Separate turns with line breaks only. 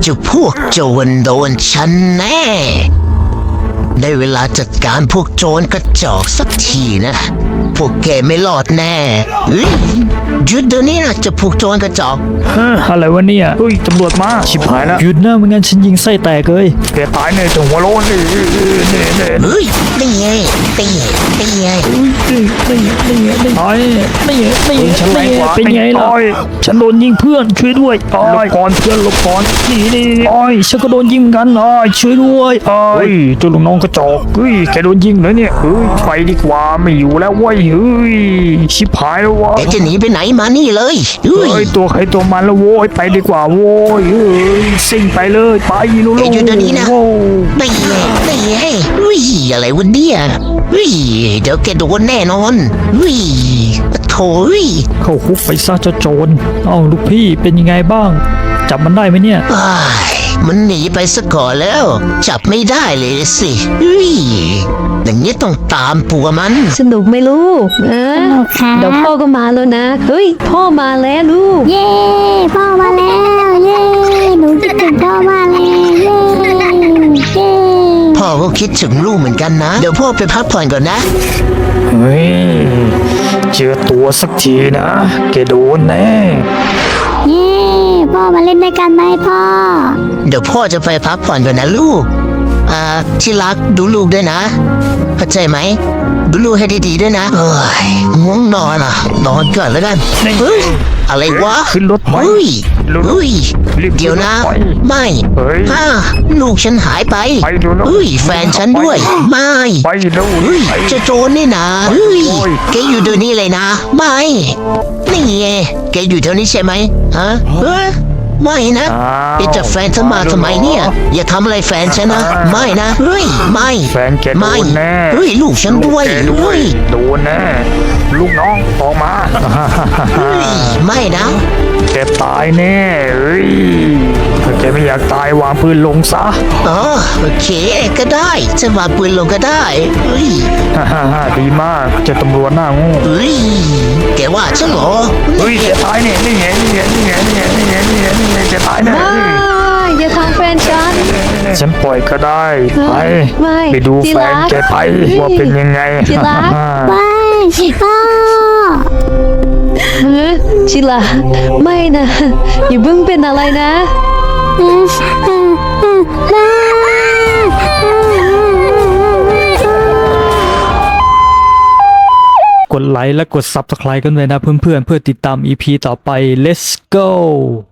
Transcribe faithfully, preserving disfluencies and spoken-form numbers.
เจ้าพวกโจรโดนฉันแน่ได้เวลาจัดการพวกโจรกระจอกสักทีนะพวกแกไม่รอดแน่เฮ้ยหยุดเดี๋ยวนี้นะเจะพวกโจรกระจอก
เฮ้ยอะไรวะเนี่ยเฮ้ยตำรวจมาชิบหายแล้วหยุดนะไม่งั้นฉันยิงไส้แตกเลยแกตายแน่จังหัวโล้นนี่นี่นี่
เฮ้ยนี่ไงนี่ไงนี่ไง
นี่นี่นี่นี่ตายนี่นี่นี่เป็นไงล่ะฉันโดนยิงเพื่อนช่วยด้วยหลบก่อนเพื่อนหลบก่อนนี่นี่โอ้ยฉันก็โดนยิงกันอ่ะช่วยด้วยเฮ้ยเจ้าลูกน้องกระจอกเฮ้ยแกโดนยิงเลยเนี่ยเฮ้ยไปดีกว่าไม่อยู่แล้วเว้ยเฮ้ยชิบหายแล้ววะ
แกจะหนีไปไหนมานี่เลยเฮ้ย
เฮ้ยตัวใครตัวมันแล้วโว้ยไปดีกว่าโว้ยเฮ้ยซิ่งไปเลยไปลูก
แกหยุดเดี๋ยวนี้นะ
โว้
นี่ไงนี่ไงเฮ้ยอะไรวะเนี่ยเฮ้ยเดี๋ยวแกโดนแน่นอนเฮ้ยโถ่เฮ้ย
เข้าคุกไปซะเจ้าโจรเอ้าลูกพี่เป็นยังไงบ้างจับมันได้ไหมเนี่ย
อ้ายมันหนีไปซะก่อนแล้ว จับไม่ได้เลยสิเฮ้ยอย่างนี้ต้องตามปัวมัน
สนุกไหมลูกเออ
สนุกครับ
เดี๋ยวพ่อก็มาแล้วนะ เฮ้ย พ่อมาแล้วลูก
เย้พ่อมาแล้วเย้หนูคิดถึงพ่อมากเลยเย้เย้
พ่อก็คิดถึงลูกเหมือนกันนะ เดี๋ยวพ่อไปพักผ่อนก่อนนะ
เฮ้ยเจอตัวสักทีนะแกโดนแน่
เย้พ่อมาเล่นด้วยกันไหมพ่อ
เดี๋ยวพ่อจะไปพักผ่อนก่อนนะลูก อ่าที่รักดูลูกด้วยนะเข้าใจไหมดูลูกให้ดีๆด้วยนะเอ้ยง่วงนอนอ่ะ นอนก่อนแล้วกันเฮ้ยอะไรวะ
ขึ้นรถไหม
เฮ้ย
เร็วๆ
เฮ้ย
รีบขึ้น
เดี๋ยวนะ
รถไป
ไม่
เฮ้ย
ฮ่าลูกฉันหายไป
ไปเดี๋ยวนะ
เฮ้ยแฟนฉันด้วย ไม่
ไปเร็ว
เฮ้ย
ไป
เจะโจรนี่นะเฮ้ย
โอ้ย
แกอยู่เดี๋ยวนี้เลยนะ ไม่ นี่ไงแกอยู่แถวนี้ใช่ไหมฮะเฮ้ยไม่นะ
อ้าว
แกจะแฟนฉันมาทำไมเนี่ย อย่าทำอะไรแฟนฉันนะ ไม่นะ เฮ้ย ไม่
แฟนแกโด
ไม่
นแน่
เฮ้ย ลูกฉันด้วย
ลูกแกด้ว
เฮ้
ย
ย
โดนแน่ลูกน้องออกมา
เฮ้ย ไม่นะ
แกตายแน่เฮ้ยถ้าแกไม่อยากตายวางปืนลงซะ
อ๋อ โอเค ก็ได้จะวางปืนลงก็ได้ เฮ้ย
ฮ่าฮ่าฮ่าดีมากเจะตำรวจหน้าโงู
เฮ้ย แกว่าฉันเหรอ
เฮ้ยแกตายเนี่ยนี่ไงนี่ไงนี่ไงนี่ไงนี่ไงนี่ไงนี่ไงแกตายแน่
ไม่อย่าทำแฟนฉัน
ฉันปล่อยก็ได้ไป
ไม่
ไปดู
ที่
แฟ
รั
น
ก
แกไปว่าเป็นยังไง
ที่รัก
ไปพ่อ
เฮ้ยชิลาไม่นะอย่าเพิ่งเป็นอะไรนะ
เออเออเออเออ
กดไลค์และกด ซับสไครบ์ กันเลยนะเพื่อนๆเพื่อติดตาม อี พี ต่อไป let's go